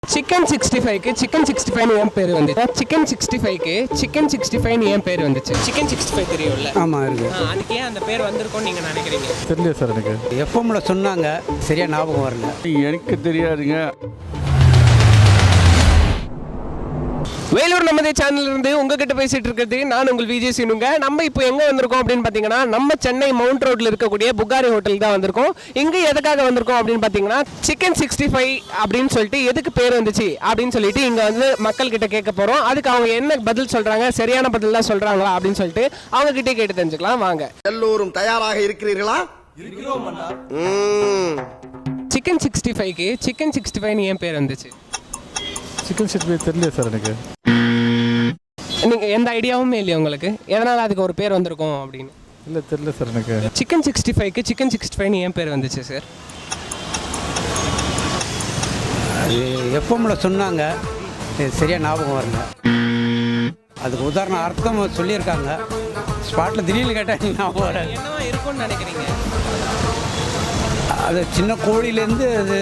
Chicken 65க்கு chicken 65 ஏன் பேர் வந்துச்சு? சிக்கன் 65க்கு சிக்கன் 65 ஏன் பேர் வந்துச்சு? சிக்கன் 65 தெரியும்ல? ஆமாம் இருக்கு. அதுக்கு ஏன் அந்த பேர் வந்திருக்கும்னு நீங்கள் நினைக்கிறீங்க? தெரியல சார் எனக்கு. எஃப்எம்ல சொன்னாங்க, சரியா ஞாபகம் வரல. எனக்கு தெரியாதுங்க. வேலூர் நமதே சேனல்ல இருந்து உங்ககிட்ட பேசிட்டு இருக்கிறது நான் உங்கள் விஜய் சீனுங்க. நம்ம இப்போ எங்க வந்திருக்கோம் அப்படின்னு பாத்தீங்கன்னா, நம்ம சென்னை மவுண்ட் ரோட்ல இருக்கக்கூடிய புகாரி ஹோட்டல் தான் வந்திருக்கோம். இங்க எதுக்காக வந்திருக்கோம் அப்படின்னு பாத்தீங்கன்னா, சிக்கன் 65 அப்படின்னு சொல்லிட்டு எதுக்கு பேர் வந்துச்சு அப்படின்னு சொல்லிட்டு இங்க வந்து மக்கள் கிட்ட கேட்க போறோம். அதுக்கு அவங்க என்ன பதில் சொல்றாங்க, சரியான பதில் தான் சொல்றாங்களா அப்படின்னு சொல்லிட்டு அவங்க கிட்டே கேட்டு தெரிஞ்சுக்கலாம் வாங்க. எல்லோரும் தயாராக இருக்கிறீர்களா? இருக்கிறோம் அண்ணா. சிக்கன் 65க்கு சிக்கன் 65 ஏன் பேர் வந்துச்சு? சிக்கன் 65 தெரியல சார் எனக்கு. நீங்க எந்த ஐடியாவுமே இல்லையா உங்களுக்கு, எதனால அதுக்கு ஒரு பேர் வந்திருக்கும் அப்படின்னு? இல்லை தெரியல சார் எனக்கு. சிக்கன் 65க்கு சிக்கன் 65 ஏன் பேர் வந்துச்சு சார்? எஃப்எம்ல சொன்னாங்க, சரியா ஞாபகம் வரல. அதுக்கு உதாரணம் அர்த்தம் சொல்லியிருக்காங்க. ஸ்பாட்டில் திடீர்னு கேட்டால் ஞாபகம் வர என்னவா இருக்கும்னு நினைக்கிறீங்க? அது சின்ன கோழியிலேருந்து அது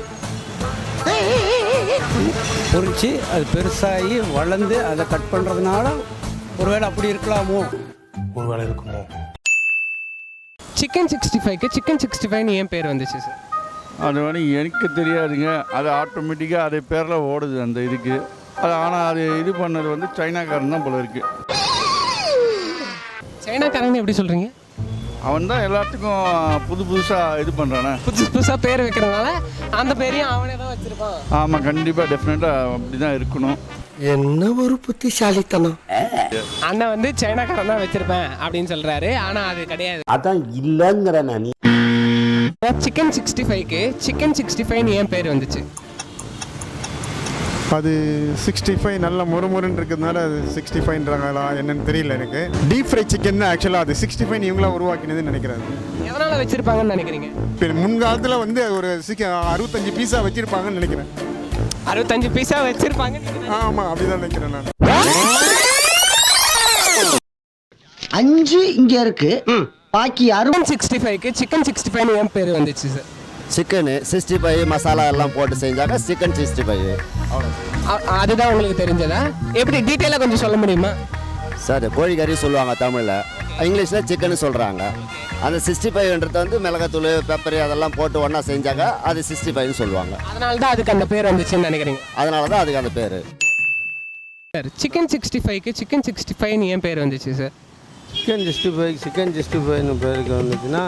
பொறிச்சு அது பெருசாகி வளர்ந்து அதை கட் பண்ணுறதுனால ஒருவேளை அப்படி இருக்கலாமோ. ஒருவேளை இருக்குமோ. சிக்கன் 65க்கு சிக்கன் 65 ஏன் பேர் வந்துச்சு சார்? அது வந்து எனக்கு தெரியாதுங்க. அது ஆட்டோமேட்டிக்காக அது பேரில் ஓடுது அந்த இதுக்கு. அது ஆனால் அது இது பண்ணது வந்து சைனாக்காரன் தான் போல இருக்கு. சைனாக்காரன் எப்படி சொல்கிறீங்க? அவன் தான் எல்லாத்துக்கும் புதுசாக இது பண்ணுறானே. புதுசாக பேர் வைக்கிறதுனால அந்த பேரையும் அவனே தான் வச்சிருப்பான். ஆமாம், கண்டிப்பாக டெஃபினட்டாக அப்படி தான் இருக்கணும். என்ன ஒரு புத்திசாலித்தனம். அண்ணன் வந்து சைனாக்காரன் தான் வச்சிருப்பேன் அப்படின்னு சொல்றாரு, ஆனா அது கிடையாது. அதான் இல்லங்கிற நான். சிக்கன் 65க்கு சிக்கன் 65 ஏன் பேர் வந்துச்சு? அது 65 நல்ல முறுமுறுன்னு இருக்கிறதுனால அது 65ன்றாங்களா என்னன்னு தெரியல எனக்கு. டீப் ஃப்ரை சிக்கன் தான் ஆக்சுவலாக அது 65 இவங்களா உருவாக்கினதுன்னு நினைக்கிறேன். எதனால வச்சிருப்பாங்கன்னு நினைக்கிறீங்க? இப்போ முன்காலத்தில் வந்து ஒரு 65 பீஸா வச்சிருப்பாங்கன்னு நினைக்கிறேன். 65 பீஸா வச்சிருப்பாங்க. ஆமாம், அப்படிதான் நினைக்கிறேன் நான். 5 இங்க இருக்கு, பாக்கி 65க்கு சிக்கன் 65 ஏன் பேர் வந்துச்சு சார்? சிக்கனு 65 மசாலா எல்லாம் போட்டு செஞ்சாங்க சிக்கன் 65. அதுதான் உங்களுக்கு தெரிஞ்சதா? எப்படி டீட்டெயிலாக கொஞ்சம் சொல்ல முடியுமா சார்? கோழிக்கறி சொல்லுவாங்க தமிழில், இங்கிலீஷில் சிக்கன் சொல்கிறாங்க. அந்த 65ன்றது வந்து மிளகாத்தூள் பெப்பர் அதெல்லாம் போட்டு ஒன்றா செஞ்சாங்க, அது 65ன்னு சொல்லுவாங்க. அதனால தான் அதுக்கு அந்த பேர் வந்துச்சுன்னு நினைக்கிறீங்க? அதனால தான் அதுக்கு அந்த பேர். சார் சிக்கன் 65க்கு சிக்கன் 65 ஏன் பேர் வந்துச்சு சார்? சிக்கன் 65 பேருக்கு வந்துச்சுன்னா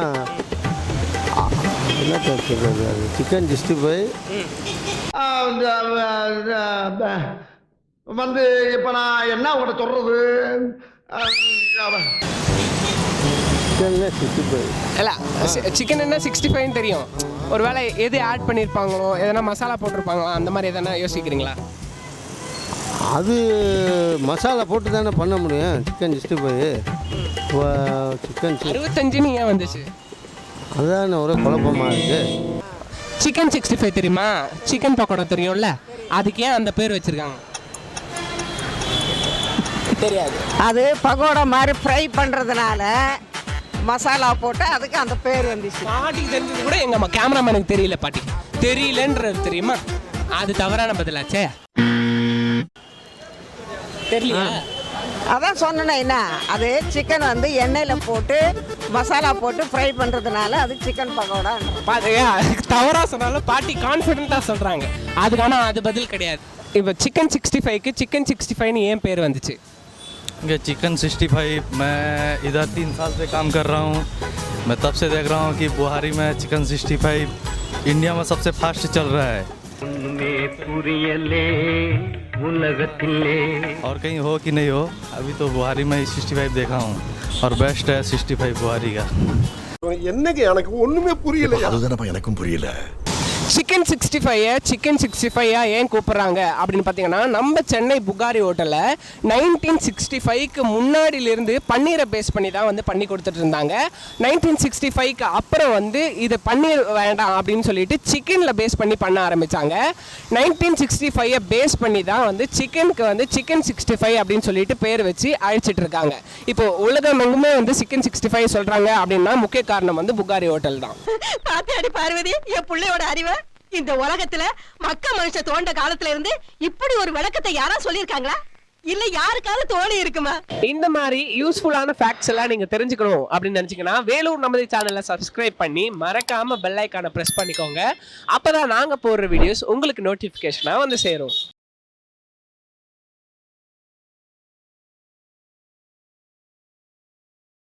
என்ன சொல்கிறது, அது சிக்கன் 65 வந்து இப்ப நான் என்ன உங்கள்கிட்ட சொல்றது? சிக்கன் 65 இல்லை, சிக்கன் என்ன 65 தெரியும். ஒருவேளை எது ஆட் பண்ணியிருப்பாங்களோ, எதனா மசாலா போட்டிருப்பாங்களோ, அந்த மாதிரி எதனா யோசிக்கிறீங்களா? அது மசாலா போட்டு தானே பண்ண முடியும் சிக்கன் 65. சிக்கன் 65 ஏன் வந்துச்சு? அதுதான் ஒரே குழப்பமாக இருக்குது. சிக்கன் 65 தெரியுமா? சிக்கன் பக்கோடா தெரியும்ல, அதுக்கு ஏன் அந்த பேர் வச்சிருக்காங்க? தெரியாது. அது பகோடா மாதிரி ஃப்ரை பண்ணுறதுனால மசாலா போட்டு அதுக்கு அந்த பேர் வந்துச்சு. பாட்டிக்கு தெரிஞ்சது கூட எங்கள் கேமராமேனுக்கு தெரியல. பாட்டி தெரியலன்றது தெரியுமா? அது தவறான பதிலாச்சே. தெரியலையா? அதான் சொன்னேன்னா என்ன, அது சிக்கன் வந்து எண்ணெயில் போட்டு மசாலா போட்டு ஃப்ரை பண்ணுறதுனால அது சிக்கன் பகோடா. தவறாக சொன்னாலும் பாட்டி கான்ஃபிடென்ட்டாக சொல்கிறாங்க. அதுக்கான அது பதில் கிடையாது. இப்போ சிக்கன் 65க்கு சிக்கன் 65 ஏன் பேர் வந்துச்சு? ये चिकन 65 मैं इधर 3 साल से काम कर रहा हूँ. मैं तब से देख रहा हूँ कि बुहारी में चिकन 65 इंडिया में सबसे फास्ट चल रहा है. और कहीं हो कि नहीं हो, अभी तो बुहारी में 65 देखा हूँ और बेस्ट है 65 बुहारी का. என்னங்க எனக்கு ஒண்ணுமே புரியல. அதுதானப்பா எனக்கும் புரியல. சிக்கன் 65 சிக்கன் 65 ஏன் கூப்பிட்றாங்க அப்படின்னு பார்த்தீங்கன்னா, நம்ம சென்னை புகாரி ஹோட்டலில் 1965க்கு முன்னாடியிலிருந்து பன்னீரை பேஸ் பண்ணி தான் வந்து பண்ணி கொடுத்துட்டு இருந்தாங்க. 1965க்கு அப்புறம் வந்து இது பன்னீர் வேண்டாம் அப்படின்னு சொல்லிட்டு சிக்கனில் பேஸ் பண்ணி பண்ண ஆரம்பித்தாங்க. 1965 பேஸ் பண்ணி தான் வந்து சிக்கனுக்கு வந்து சிக்கன் 65 அப்படின்னு சொல்லிட்டு பேர் வச்சு அழைச்சிட்டு இருக்காங்க. இப்போ உலகம் எங்குமே வந்து சிக்கன் 65 சொல்கிறாங்க அப்படின்னா முக்கிய காரணம் வந்து புகாரி ஹோட்டல் தான். பார்வதி, என் பிள்ளையோட அறிவை இந்த உலகத்துல மக்க மனுஷ தோண்ட காலத்துல இருந்து இப்படி ஒரு விளக்கத்தை யாரா சொல்லியிருக்காங்களா இல்ல யாருக்காவது தோணி இருக்குமா? இந்த மாதிரி யூஸ்ஃபுல்லான ஃபேக்ட்ஸ் எல்லாம் நீங்க தெரிஞ்சுக்கணும் அப்படின்னு நினைச்சீங்கன்னா வேலூர் நமது சேனலை சப்ஸ்கிரைப் பண்ணி மறக்காம பெல் ஐக்கானை பிரஸ் பண்ணிக்கோங்க. அப்பதான் நாங்க போடுற வீடியோஸ் உங்களுக்கு நோட்டிபிகேஷனா வந்து சேரும்.